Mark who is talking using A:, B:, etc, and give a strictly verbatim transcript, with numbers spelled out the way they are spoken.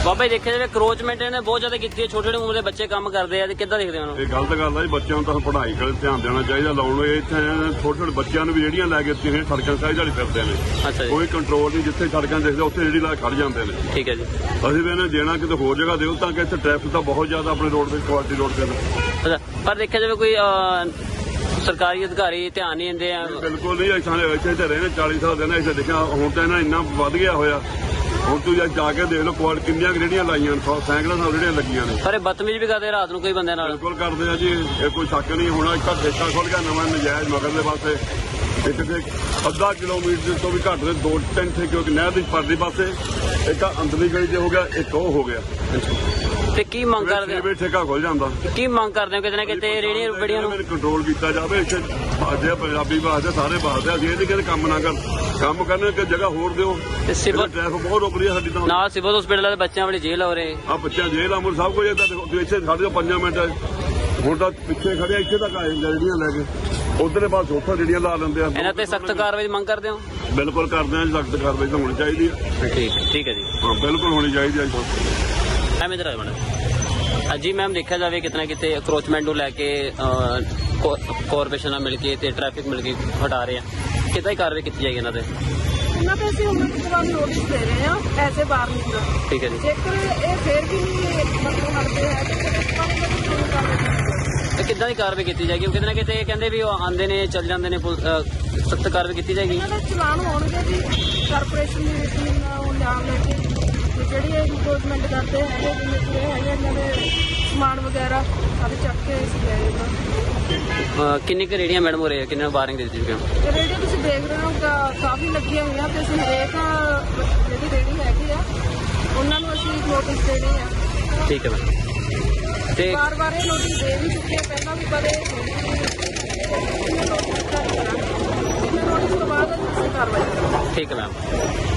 A: ਬਾਬਾ ਜੀ ਦੇਖਿਆ ਜਾਵੇ ਕਰੋਚਮੈਂਟ ਇਹਨੇ ਬਹੁਤ ਜ਼ਿਆਦਾ ਕੀਤੀ ਹੈ, ਛੋਟੇ ਛੋਟੇ ਉਮਰ ਦੇ ਬੱਚੇ ਕੰਮ ਕਰਦੇ ਆ ਤੇ ਕਿੱਦਾਂ ਦੇਖਦੇ ਹੋ?
B: ਇਹ ਗਲਤ ਗੱਲ ਹੈ ਜੀ, ਬੱਚਿਆਂ ਨੂੰ ਤਾਂ ਪੜ੍ਹਾਈ ਕੋਲ ਧਿਆਨ ਦੇਣਾ ਚਾਹੀਦਾ। ਲਾਉਣ ਨੂੰ ਇੱਥੇ ਛੋਟੇ ਛੋਟੇ ਬੱਚਿਆਂ ਨੂੰ ਵੀ ਜਿਹੜੀਆਂ ਲੈ ਕੇ ਇੱਥੇ ਸੜਕਾਂ ਸਾਈਡ ਵਾਲੀ ਫਿਰਦੇ ਨੇ,
A: ਅੱਛਾ ਜੀ,
B: ਕੋਈ ਕੰਟਰੋਲ ਨਹੀਂ। ਜਿੱਥੇ ਸੜਕਾਂ ਦੇਖਦੇ ਉੱਥੇ ਜਿਹੜੀ ਲਾ ਖੜ ਜਾਂਦੇ ਨੇ।
A: ਠੀਕ ਹੈ ਜੀ।
B: ਅਸੀਂ ਵੀ ਇਹਨੇ ਦੇਣਾ ਕਿਤੇ ਹੋਰ ਜਗ੍ਹਾ ਦਿਓ ਤਾਂ ਕਿ ਇੱਥੇ ਟ੍ਰੈਫਿਕ ਤਾਂ ਬਹੁਤ ਜ਼ਿਆਦਾ ਆਪਣੇ ਰੋਡ ਤੇ ਕੁਆਲਿਟੀ ਰੋਡ ਤੇ।
A: ਅੱਛਾ, ਪਰ ਦੇਖਿਆ ਜਾਵੇ ਕੋਈ ਸਰਕਾਰੀ ਅਧਿਕਾਰੀ ਧਿਆਨ ਨਹੀਂ ਦਿੰਦੇ ਆ?
B: ਬਿਲਕੁਲ ਨਹੀਂ। ਇੱਥੇ ਇੱਥੇ ਤੇ ਰਹੇ ਨੇ ਚਾਲੀ ਸਾਲ ਦੇ ਨੇ, ਇੱਥੇ ਦੇਖਿਆ ਹੁਣ ਤਾਂ ਇਹਨਾਂ ਇੰਨਾ ਵੱਧ ਗਿਆ ਹੋਇਆ। ਹੁਣ ਤੂੰ ਜਾ ਕੇ ਦੇਖ ਲਓ ਕੁਆਲ ਕਿੰਨੀਆਂ ਰੇਹੜੀਆਂ ਲਾਈਆਂ ਨੇ, ਸੈਂਕੜਾਂ ਸਾਲ ਰੇਹੜੀਆਂ ਲੱਗੀਆਂ ਨੇ।
A: ਪਰ ਇਹ ਬਦਤਮੀਜ਼ ਵੀ ਕਰਦੇ ਰਾਤ ਨੂੰ ਕੋਈ ਬੰਦੇ ਨਾਲ?
B: ਬਿਲਕੁਲ ਕਰਦੇ ਆ ਜੀ, ਇਹ ਕੋਈ ਸ਼ੱਕ ਨਹੀਂ। ਹੁਣ ਇੱਕ ਠੇਕਾ ਖੁੱਲ ਗਿਆ ਨਵਾਂ ਨਜਾਇਜ਼ ਮਗਰਲੇ ਪਾਸੇ, ਇੱਕ ਤੇ ਅੱਧਾ ਕਿਲੋਮੀਟਰ ਤੋਂ ਵੀ ਘੱਟ ਦੇ ਦੋ ਤਿੰਨ ਠੇਕੇ ਨਹਿਰ ਦੀ ਪਰਲੀ ਪਾਸੇ, ਇੱਕ ਅੰਦਰਲੀ ਗਲੀ 'ਚ ਹੋ ਗਿਆ, ਇੱਕ ਉਹ ਹੋ ਗਿਆ।
A: ਤੇ ਕੀ ਮੰਗ ਕਰਦੇ ਹੋ?
B: ਠੇਕਾ ਖੁੱਲ ਜਾਂਦਾ।
A: ਕੀ ਮੰਗ ਕਰਦੇ ਹੋ ਕਿਤੇ ਨਾ ਕਿਤੇ ਰੇਹੜੀਆਂ ਬੜੀਆਂ ਨੂੰ
B: ਕੰਟਰੋਲ ਕੀਤਾ ਜਾਵੇ। ਇੱਥੇ ਬਾਜੇ ਪੰਜਾਬੀ ਬਾਜਦੇ ਸਾਰੇ ਬਾਜਦੇ, ਅਸੀਂ ਇਹ ਨਹੀਂ ਕਹਿੰਦੇ ਕੰਮ ਨਾ ਕਰ, ਕੰਮ ਕਰਨ ਕਿ ਜਗ੍ਹਾ ਹੋਰ ਦਿਓ।
A: ਤੇ ਸਿਵਲ
B: ਟ੍ਰੈਫਿਕ ਬਹੁਤ ਰੁਕ ਰਹੀ ਹੈ ਸਾਡੀ ਤਾਂ।
A: ਨਾਲ ਸਿਵਲ ਹਸਪੀਟਲ ਦੇ ਬੱਚਿਆਂ ਵਾਲੀ ਜੇਲ੍ਹ ਹੋ ਰਹੇ
B: ਆ, ਬੱਚਿਆਂ ਜੇਲ੍ਹ ਆ, ਮੁਰ ਸਭ ਕੁਝ ਇੱਦਾਂ ਦੇਖੋ। ਇੱਥੇ ਸਾਡੇ ਤੋਂ ਪੰਜਾਂ ਮਿੰਟ ਹੁਣ ਤਾਂ ਪਿੱਛੇ ਖੜਿਆ, ਇੱਥੇ ਤੱਕ ਆਏ ਜਿਹੜੀਆਂ ਲੈ ਕੇ ਉਧਰਲੇ ਪਾਸ ਉੱਥੋਂ ਜਿਹੜੀਆਂ ਲਾ ਲੈਂਦੇ ਆ।
A: ਇਹਨਾਂ ਤੇ ਸਖਤ ਕਾਰਵਾਈ ਦੀ ਮੰਗ ਕਰਦੇ ਹੋ?
B: ਬਿਲਕੁਲ ਕਰਦੇ ਆ, ਸਖਤ ਕਾਰਵਾਈ ਤਾਂ ਹੋਣੀ ਚਾਹੀਦੀ ਹੈ।
A: ਠੀਕ ਠੀਕ ਹੈ ਜੀ,
B: ਹਾਂ ਬਿਲਕੁਲ ਹੋਣੀ ਚਾਹੀਦੀ ਹੈ।
A: ਮੈਮ ਇਧਰ ਆਏ ਮੈਡਮ। ਹਾਂਜੀ ਮੈਮ, ਦੇਖਿਆ ਜਾਵੇ ਕਿਤਨਾ ਕਿਤੇ ਅਕਰੋਚਮੈਂਟ ਨੂੰ ਲੈ ਕੇ ਕਾਰਪੋਰੇਸ਼ਨ ਨਾਲ ਮਿਲ ਕੇ ਤੇ ਟ੍ਰੈਫਿਕ ਮਿਲ ਕੇ ਹਟਾ ਰਹੇ ਆ, ਕਿੱਦਾਂ ਹੀ ਕਾਰਵਾਈ ਕੀਤੀ ਜਾਏਗੀ ਇਹਨਾਂ ਤੇ?
C: ਇਹਨਾਂ ਤੇ ਅਸੀਂ ਉਹਨਾਂ ਤੋਂ ਬਾਅਦ ਨੋਟਿਸ ਦੇ ਰਹੇ ਹਾਂ ਐਜ਼ ਏ ਵਾਰਨਿੰਗ ਦਾ।
A: ਠੀਕ ਹੈ ਜੀ।
C: ਜੇਕਰ ਇਹ ਫੇਰ ਵੀ ਨਹੀਂ ਮਤਲਬ ਹਟਦੇ ਹੈ
A: ਤੇ ਕਿੱਦਾਂ ਦੀ ਕਾਰਵਾਈ ਕੀਤੀ ਜਾਏਗੀ? ਕਿਤੇ ਨਾ ਕਿਤੇ ਕਹਿੰਦੇ ਵੀ ਉਹ ਆਉਂਦੇ ਨੇ ਚੱਲ ਜਾਂਦੇ ਨੇ, ਸਖਤ ਕਾਰਵਾਈ ਕੀਤੀ ਜਾਏਗੀ?
C: ਇਹਨਾਂ ਦੇ ਚਲਾਨ ਹੋਣਗੇ ਜੀ ਕਾਰਪੋਰੇਸ਼ਨ ਦੀ ਰੂਟੀਨ ਉਹ ਨਾਮ ਲੈ ਕੇ, ਤੇ ਜਿਹੜੀ ਇਹ ਇਨਕਰੋਚਮੈਂਟ ਕਰਦੇ ਹੈਗੇ ਜਿਵੇਂ ਕਿ ਇਹ ਹੈਗੇ ਇਹਨਾਂ ਦੇ ਸਮਾਨ ਵਗੈਰਾ ਸਾਰੇ ਚੱਕ ਕੇ ਅਸੀਂ ਲੈ ਜਾਣਾ।
A: ਕਿੰਨੀ ਕੁ ਰੇਹੜੀਆਂ ਮੈਡਮ ਹੋ ਰਹੀ ਹੈ, ਕਿੰਨੇ ਵਾਰਨਿੰਗ ਦੇ ਦਿੱਤੀ ਗਈ?
C: ਤੇ ਰੇਹੜੀਆਂ ਤੁਸੀਂ ਦੇਖ ਰਹੇ ਹੋ ਕਾ- ਕਾਫੀ ਲੱਗੀਆਂ ਹੋਈਆਂ, ਤੇ ਅਸੀਂ ਹਰੇਕ ਜਿਹੜੀ ਰੇਹੜੀ ਹੈਗੀ ਆ ਉਹਨਾਂ ਨੂੰ ਅਸੀਂ ਨੋਟਿਸ ਦੇ ਰਹੇ ਹਾਂ।
A: ਠੀਕ ਹੈ ਮੈਮ। ਤੇ
C: ਵਾਰ ਵਾਰ ਇਹ ਨੋਟਿਸ ਦੇ ਵੀ ਚੁੱਕੇ ਪਹਿਲਾਂ ਵੀ, ਕਦੇ ਨੋਟਿਸ ਤੋਂ ਬਾਅਦ ਅਸੀਂ ਕਾਰਵਾਈ ਕਰਾਂਗੇ।
A: ਠੀਕ ਹੈ ਮੈਮ।